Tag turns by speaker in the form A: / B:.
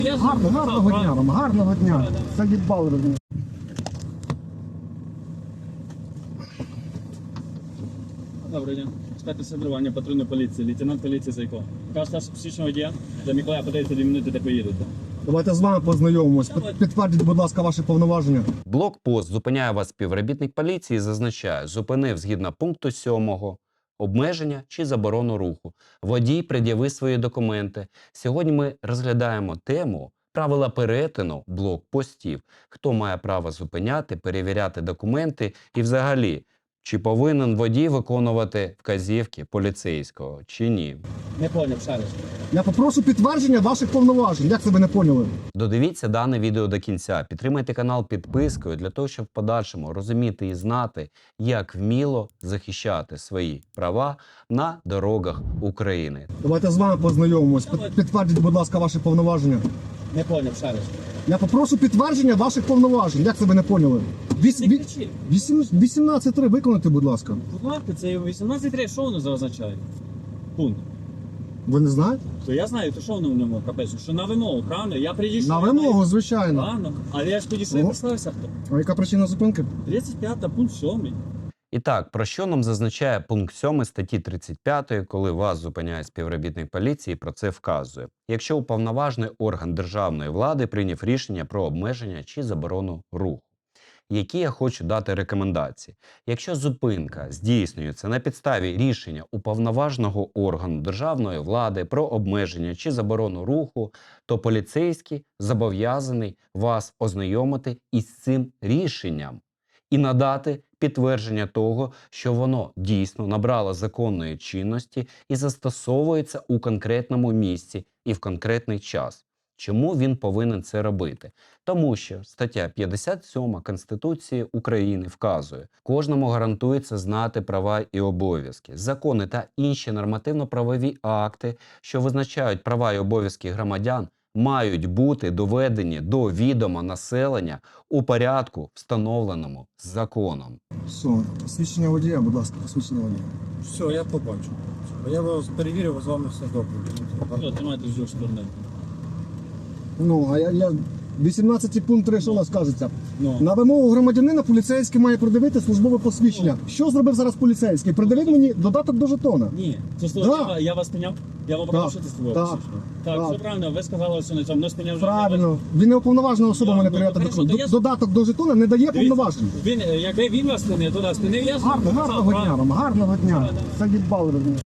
A: Гарного дня вам, гарного дня. Заїбали ви.
B: Добрий день. Інспектор сервірування патрульної поліції, лейтенант поліції Зайко. Кажете, психічного водія, до Миколая подається 2 минути, де поїдете.
A: Давайте з вами познайомимось. Підтвердіть, будь ласка, ваші повноваження.
C: Блокпост зупиняє вас співробітник поліції і зазначає, зупинив згідно пункту 7 обмеження чи заборону руху. Водій пред'яви свої документи. Сьогодні ми розглядаємо тему правила перетину блокпостів. Хто має право зупиняти, перевіряти документи і взагалі, чи повинен водій виконувати вказівки поліцейського, чи ні.
B: Не поняв, ще раз.
A: Я попрошу підтвердження ваших повноважень. Як це ви не поняли?
C: Додивіться дане відео до кінця, підтримайте канал підпискою для того, щоб в подальшому розуміти і знати, як вміло захищати свої права на дорогах України.
A: Давайте з вами познайомимось. Підтвердіть, будь ласка, ваші повноваження.
B: Не поняв, ще раз.
A: Я попрошу підтвердження ваших повноважень. Як це ви не поняли?
B: Не кричіть.
A: 18.3 виконайте, будь ласка.
B: Будь ласка, це 18.3, що воно означає? Пункт.
A: Ви не знаєте?
B: То я знаю, то що воно в ньому капець? Що на вимогу, правильно? Я підійшов.
A: На вимогу, звичайно.
B: Правильно. Але я ж підійшов і
A: Ого.
B: представився хто.
A: А яка причина зупинки?
B: 35 пункт 7.
C: І так, про що нам зазначає пункт 7 статті 35, коли вас зупиняє співробітник поліції, про це вказує. Якщо уповноважений орган державної влади прийняв рішення про обмеження чи заборону руху. Які я хочу дати рекомендації. Якщо зупинка здійснюється на підставі рішення уповноваженого органу державної влади про обмеження чи заборону руху, то поліцейський зобов'язаний вас ознайомити із цим рішенням і надати підтвердження того, що воно дійсно набрало законної чинності і застосовується у конкретному місці і в конкретний час. Чому він повинен це робити? Тому що стаття 57 Конституції України вказує, кожному гарантується знати права і обов'язки. Закони та інші нормативно-правові акти, що визначають права і обов'язки громадян, мають бути доведені до відома населення у порядку, встановленому законом.
A: Все, посвідчення водія, будь ласка, посвідчення водія.
D: Все, я побачу. Я вас перевірив, з вами все добре.
B: Що, тримайте з сторони.
A: Ну, а я 18 пункт 3, що у нас кажеться?
B: Ну.
A: На вимогу громадянина поліцейський має придивити службове посвідчення. Що зробив зараз поліцейський? Придивив мені додаток до жетона.
B: Ні, це
A: Да.
B: я вас спиняв, я вам
A: Да.
B: показав, що ти з тобою.
A: Да.
B: Так,
A: Да.
B: все правильно, ви сказали, що на цьому, не спиняв.
A: Правильно. Він не уповноважена особа
B: Да,
A: мене
B: ну,
A: перевіряти
B: хорошо,
A: документ.
B: то я-
A: Додаток до жетона не дає повноважень.
B: Якби він вас спинив, то нас спинив, я ж вам
A: Гарного
B: показав,
A: дня
B: правильно.
A: вам, гарного дня. Заїбали ви.